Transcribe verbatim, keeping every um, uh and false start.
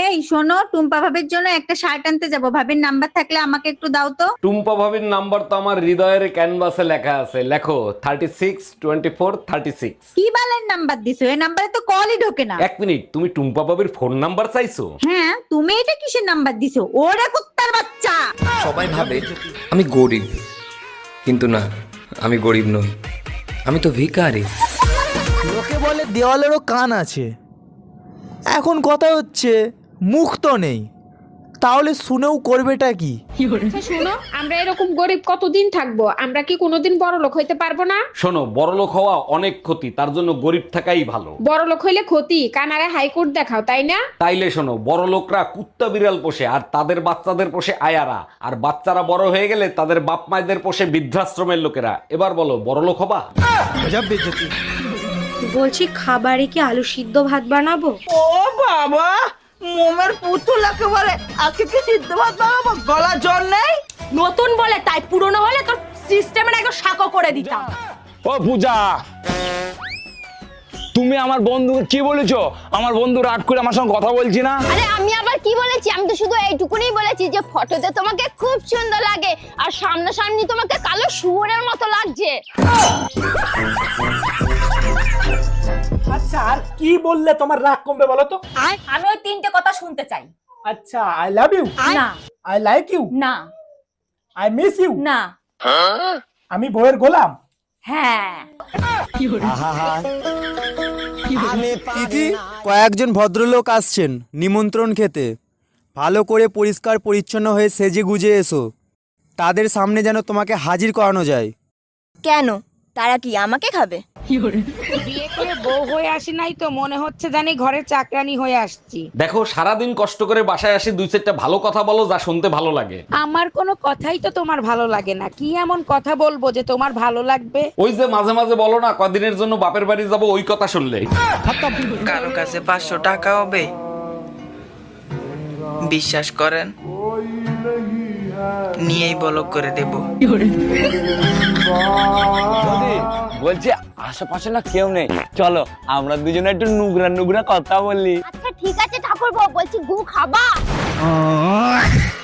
এই শোনো, টুম্পা ভাবির জন্য একটা শার্ট আনতে যাব, ভাবির নাম্বার থাকলে আমাকে একটু দাও তো। টুম্পা ভাবির নাম্বার তো আমার হৃদয়ের ক্যানভাসে লেখা আছে, লেখো thirty six twenty four thirty six. কি বালের নাম্বার দিছো? এই নাম্বারে তো কলই ঢোকে না। এক মিনিট, তুমি টুম্পা ভাবির ফোন নাম্বার চাইছো? হ্যাঁ, তুমি এটা কিসের নাম্বার দিছো? ওরে কুত্তার বাচ্চা। সবাই ভাবে আমি গরিব, কিন্তু না, আমি গরিব নই, আমি তো ভিখারি। লোকে বলে দেওয়ালেরও কান আছে। এখন কথা হচ্ছে মুখ তো নেই, তাহলে শুনেও করবেটা কি? আচ্ছা শোনো, আমরা এরকম গরিব কতদিন থাকবো? আমরা কি কোনোদিন বড় লোক হইতে পারবো না? শোনো, বড়লোক হওয়া অনেক ক্ষতি, তার জন্য গরিব থাকাই ভালো। বড় লোক হইলে ক্ষতি, কানারে হাইকোর্ট দেখাও, তাই না? তাইলে শোনো, বড় লোকরা কুত্তা বিড়াল পোষে আর তাদের বাচ্চাদের পোষে আয়ারা, আর বাচ্চারা বড় হয়ে গেলে তাদের বাপ মায়েদের পোষে বৃদ্ধাশ্রমের লোকেরা। এবার বলো, বড় লোক হবা? বলছি খাবারে কি আলু সিদ্ধ ভাত বানাবো? ও বাবা, মোমের পুতুল একেবারে। আজকে কি সিদ্ধ ভাত বানাবো? গলা জল নেই? নতুন বলে তাই, পুরনো হলে তোর সিস্টেমের একদম শাকো করে দিতাম। ও পূজা, তুমি আমার বন্ধুকে কি বলেছো? আমার বন্ধু রাগ করে আমার সঙ্গে কথা বলছি না। আরে আমি আবার কি বলেছি? আমি তো শুধু এইটুকুনি বলেছি যে ফটোতে তোমাকে খুব সুন্দর লাগে আর সামনাসামনি তোমাকে কালো শুয়োরের মতো লাগছে। আচ্ছা, আর কি বললে তোমার রাগ কমবে বলো তো? আমি ওই তিনটে কথা শুনতে চাই। আচ্ছা, আই লাভ ইউ, না আই লাইক ইউ, না আই মিস ইউ, না আমি বইয়ের গোলাম। হ্যাঁ। দিদি, কয়েকজন ভদ্রলোক আসছেন নিমন্ত্রণ খেতে। ভালো করে পরিষ্কার পরিচ্ছন্ন হয়ে সেজে গুজে এসো, তাদের সামনে যেন তোমাকে হাজির করানো যায়। কেন, তারা কি আমাকে খাবে? বিয়ে করে বউ হয়ে আসি নাই তো, মনে হচ্ছে জানি ঘরের চাকরানি হয়ে আসছি। দেখো, সারাদিন কষ্ট করে বাসায় আসি, দুই চারটা ভালো কথা বলো যা শুনতে ভালো লাগে। আমার কোনো কথাই তো তোমার ভালো লাগে না। কি এমন কথা বলবো যে তোমার ভালো লাগবে? ওই যে মাঝে মাঝে বলো না, কদিনের জন্য বাপের বাড়ি যাবো, ওই কথা শুনলে। কারো কাছে পাঁচশো টাকা হবে? বিশ্বাস করেন, নিয়েই বলক করে দেব। বলছি আশেপাশে না কেউ নেই, চলো আমরা দুজনে একটু নুগরা নুগরা কথা বলি। আচ্ছা ঠিক আছে ঠাকুরপো, বলছি গু খাবা?